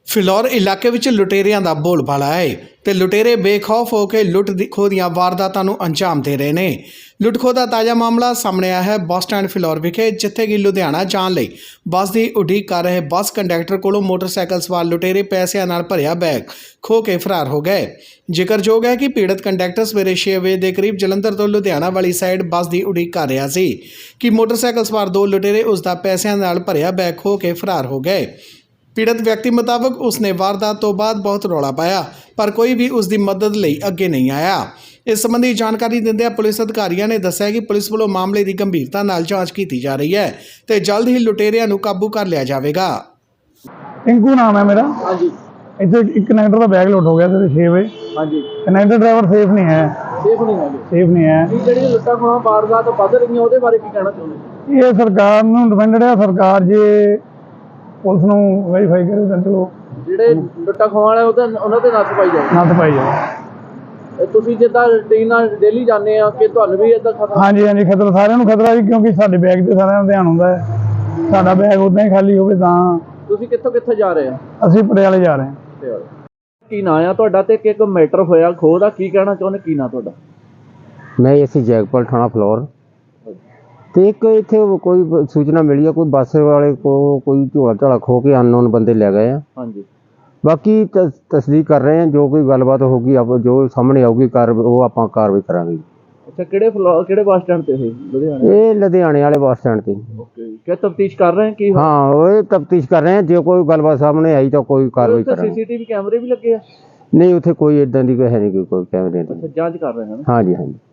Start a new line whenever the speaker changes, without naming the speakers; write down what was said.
ਫਿਲੌਰ ਇਲਾਕੇ ਵਿੱਚ ਲੁਟੇਰਿਆਂ ਦਾ ਬੋਲਬਾਲਾ ਹੈ ਤੇ ਲੁਟੇਰੇ ਬੇਖੌਫ ਹੋ ਕੇ ਲੁੱਟ ਖੋਹ ਦੀਆਂ ਵਾਰਦਾਤਾਂ ਨੂੰ ਅੰਜਾਮ ਦੇ ਰਹੇ ਨੇ। ਲੁੱਟ ਖੋਹ ਦਾ ਤਾਜ਼ਾ ਮਾਮਲਾ ਸਾਹਮਣੇ ਆਇਆ ਹੈ ਬੱਸ ਸਟੈਂਡ ਫਿਲੌਰ ਵਿਖੇ, ਜਿੱਥੇ ਕਿ ਲੁਧਿਆਣਾ ਜਾਣ ਲਈ ਬੱਸ ਦੀ ਉਡੀਕ ਕਰ ਰਹੇ ਬੱਸ ਕੰਡਕਟਰ ਕੋਲੋਂ ਮੋਟਰਸਾਈਕਲ ਸਵਾਰ ਲੁਟੇਰੇ ਪੈਸਿਆਂ ਨਾਲ ਭਰਿਆ ਬੈਗ ਖੋਹ ਕੇ ਫਰਾਰ ਹੋ ਗਏ। ਜ਼ਿਕਰਯੋਗ ਹੈ ਕਿ ਪੀੜਤ ਕੰਡਕਟਰ ਸਵੇਰੇ 6 ਵਜੇ ਦੇ ਕਰੀਬ ਜਲੰਧਰ ਤੋਂ ਲੁਧਿਆਣਾ ਵਾਲੀ ਸਾਈਡ ਬੱਸ ਦੀ ਉਡੀਕ ਕਰ ਰਿਹਾ ਸੀ ਕਿ ਮੋਟਰਸਾਈਕਲ ਸਵਾਰ ਦੋ ਲੁਟੇਰੇ ਉਸ ਦਾ ਪੈਸਿਆਂ ਨਾਲ ਭਰਿਆ ਬੈਗ ਖੋਹ ਕੇ ਫਰਾਰ ਹੋ ਗਏ। पीड़ित व्यक्ति मुताबिक उसने वारदात तो बाद बहुत रौला पाया पर कोई भी उसकी मदद लई अगे नहीं आया। इस संबंधी जानकारी दिंदे पुलिस अधिकारियों ने दस्सिया कि पुलिस वालों मामले की गंभीरता नाल जांच की जा रही है तो जल्द ही लुटेरिया नूं काबू कर लिया जाएगा।
टिंकू नाम है मेरा। हाँ जी। इतने एक कनेक्टर का बैग लोड हो गया सवेरे 6 बजे। हाँ जी। कनेक्टर ड्राइवर सेफ नहीं है। सेफ नहीं है। ਜਿਹੜੀ ਲੁੱਟਾਂ ਖੋਹਾਂ ਵਾਰਦਾਤ ਵੱਧ ਰਹੀਆਂ ਉਹਦੇ ਬਾਰੇ ਕੀ ਕਹਿਣਾ ਚਾਹੁੰਦੇ? ਇਹ ਸਰਕਾਰ ਨੂੰ ਡਿਪੈਂਡਡ ਹੈ। ਸਰਕਾਰ ਜੇ ਪੁਲਿਸ ਨੂੰ ਵੈਰੀਫਾਈ ਕਰੇ ਤਾਂ ਚਲੋ ਜਿਹੜੇ ਲੁੱਟਾਂ ਖੋਹਾਂ ਵਾਲੇ ਉਹਨਾਂ ਤੇ ਨੱਥ ਪਾਈ ਜਾਵੇ। ਤੁਸੀਂ ਜਿੱਦਾਂ ਰੂਟੀਨ ਨਾਲ ਡੇਲੀ ਜਾਂਦੇ ਆ ਕਿ ਤੁਹਾਨੂੰ ਵੀ ਇਦਾਂ ਖਤਰਾ? ਹਾਂਜੀ ਖਤਰਾ ਸਾਰਿਆਂ ਨੂੰ ਖਤਰਾ ਜੀ, ਕਿਉਂਕਿ ਸਾਡੇ ਬੈਗ ਤੇ ਸਾਰਿਆਂ ਦਾ ਧਿਆਨ ਹੁੰਦਾ ਹੈ। ਸਾਡਾ ਬੈਗ ਉਦਾਂ ਹੀ ਖਾਲੀ ਹੋਵੇ ਤਾਂ। ਤੁਸੀਂ ਕਿੱਥੇ ਜਾ ਰਹੇ ਆ? ਅਸੀਂ ਪਟਿਆਲੇ ਜਾ ਰਹੇ ਹਾਂ। ਕੀ ਨਾਂ ਆ ਤੁਹਾਡਾ ਤੇ ਇੱਕ ਮੈਟਰ ਹੋਇਆ ਖੋਹ ਦਾ, ਕੀ ਕਹਿਣਾ ਚਾਹੁੰਦੇ? ਕੀ ਨਾਂ ਤੁਹਾਡਾ?
मैं इसी जैगपाल थाना फ्लोर तो एक इतने कोई सूचना मिली है कोई बस वाले को कोई झोला झाला खो के अननोन बंदे ले गए हैं। हाँ जी। बाकी तस्दीक कर रहे हैं, जो कोई गलबात होगी अब जो सामने आऊगी वो आप कार्रवाई करांगे।
अच्छा, किहड़े बस स्टैंड ते है? लुधियाने।
ये लुधियाने वाले बस स्टैंड ते।
ओके, क्या तफ्तीश कर रहे हैं कि?
हाँ वो तफ्तीश कर रहे हैं, जो कोई गलबात सामने आई तो कोई कार्रवाई करांगे।
सीसीटीवी कैमरे भी लगे हैं?
नहीं उत्थे कोई इदां दी है नहीं कोई कैमरे।
अच्छा, जांच कर रहे हैं।
हाँ जी।